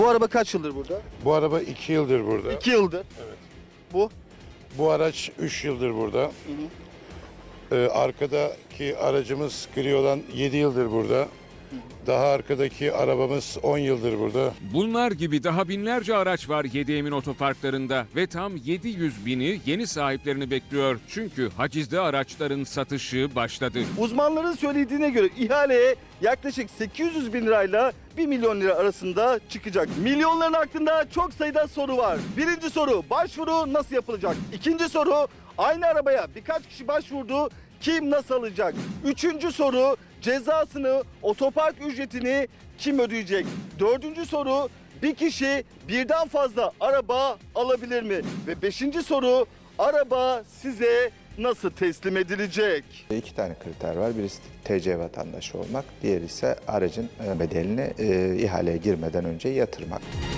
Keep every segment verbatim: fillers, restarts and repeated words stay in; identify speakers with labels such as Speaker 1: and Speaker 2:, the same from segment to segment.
Speaker 1: Bu araba kaç yıldır burada?
Speaker 2: Bu araba iki yıldır burada.
Speaker 1: iki yıldır.
Speaker 2: Evet.
Speaker 1: Bu?
Speaker 2: Bu araç üç yıldır burada.
Speaker 1: Hı hı.
Speaker 2: Ee, arkadaki aracımız gri olan yedi yıldır burada. Daha arkadaki arabamız on yıldır burada.
Speaker 3: Bunlar gibi daha binlerce araç var Yedi Emin otoparklarında ve tam yedi yüz bini yeni sahiplerini bekliyor. Çünkü hacizde araçların satışı başladı.
Speaker 1: Uzmanların söylediğine göre ihaleye yaklaşık sekiz yüz bin lirayla bir milyon lira arasında çıkacak. Milyonların aklında çok sayıda soru var. Birinci soru, başvuru nasıl yapılacak? İkinci soru, aynı arabaya birkaç kişi başvurdu, kim nasıl alacak? Üçüncü soru, cezasını, otopark ücretini kim ödeyecek? Dördüncü soru, bir kişi birden fazla araba alabilir mi? Ve beşinci soru, araba size nasıl teslim edilecek?
Speaker 4: İki tane kriter var. Birisi T C vatandaşı olmak, diğeri ise aracın bedelini e, ihaleye girmeden önce yatırmak.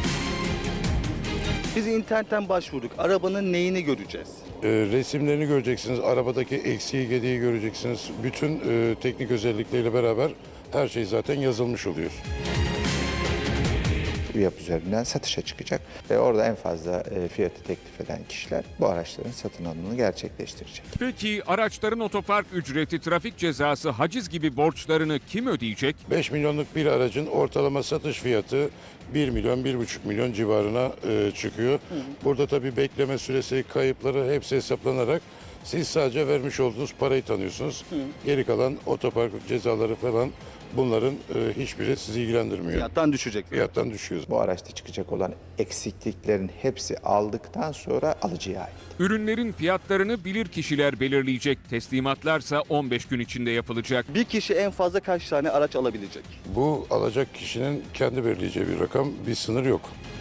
Speaker 1: Biz internetten başvurduk. Arabanın neyini göreceğiz?
Speaker 2: Ee, resimlerini göreceksiniz, arabadaki eksiği gediği göreceksiniz. Bütün e, teknik özellikleriyle beraber her şey zaten yazılmış oluyor.
Speaker 4: Üyap üzerinden satışa çıkacak ve orada en fazla e, fiyatı teklif eden kişiler bu araçların satın alımını gerçekleştirecek.
Speaker 3: Peki araçların otopark ücreti, trafik cezası, haciz gibi borçlarını kim ödeyecek?
Speaker 2: beş milyonluk bir aracın ortalama satış fiyatı bir milyon, bir buçuk milyon civarına e, çıkıyor. Burada tabii bekleme süresi, kayıpları hepsi hesaplanarak siz sadece vermiş olduğunuz parayı tanıyorsunuz. Geri kalan otopark cezaları falan bunların e, hiçbiri sizi ilgilendirmiyor.
Speaker 1: Fiyattan düşecek.
Speaker 2: Fiyattan düşüyoruz.
Speaker 4: Bu araçta çıkacak olan eksikliklerin hepsi aldıktan sonra alıcıya ait.
Speaker 3: Ürünlerin fiyatlarını bilir kişiler belirleyecek. Teslimatlarsa on beş gün içinde yapılacak.
Speaker 1: Bir kişi en fazla kaç tane araç alabilecek?
Speaker 2: Bu alacak kişinin kendi belirleyeceği bir rakam, bir sınır yok.